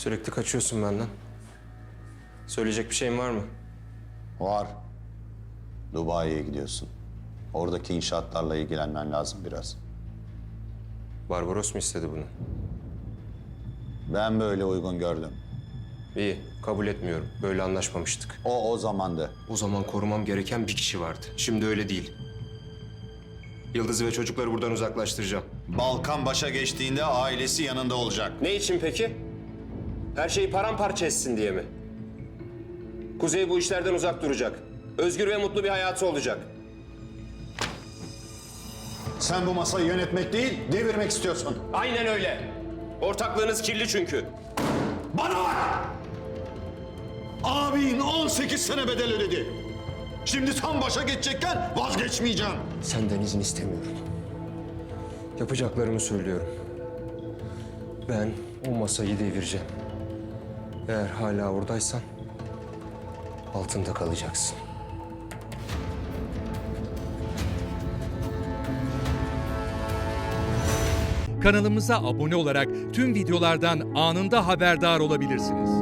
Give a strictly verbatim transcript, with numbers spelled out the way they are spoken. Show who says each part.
Speaker 1: Sürekli kaçıyorsun benden. Söyleyecek bir şeyin var mı?
Speaker 2: Var. Dubai'ye gidiyorsun. Oradaki inşaatlarla ilgilenmen lazım biraz.
Speaker 1: Barbaros mu istedi bunu?
Speaker 2: Ben böyle uygun gördüm.
Speaker 1: İyi, kabul etmiyorum. Böyle anlaşmamıştık.
Speaker 2: O o zamandı.
Speaker 1: O zaman korumam gereken bir kişi vardı. Şimdi öyle değil. Yıldız'ı ve çocukları buradan uzaklaştıracağım.
Speaker 2: Balkan başa geçtiğinde ailesi yanında olacak.
Speaker 1: Ne için peki? Her şeyi paramparça etsin diye mi? Kuzey bu işlerden uzak duracak. Özgür ve mutlu bir hayatı olacak.
Speaker 2: Sen bu masayı yönetmek değil, devirmek istiyorsun.
Speaker 1: Aynen öyle. Ortaklığınız kirli çünkü.
Speaker 2: Bana bak! Abin on sekiz sene bedel ödedi. Şimdi tam başa geçecekken vazgeçmeyeceğim.
Speaker 1: Senden izin istemiyorum. Yapacaklarımı söylüyorum. Ben o masayı devireceğim. Eğer hala oradaysan altında kalacaksın.
Speaker 3: Kanalımıza abone olarak tüm videolardan anında haberdar olabilirsiniz.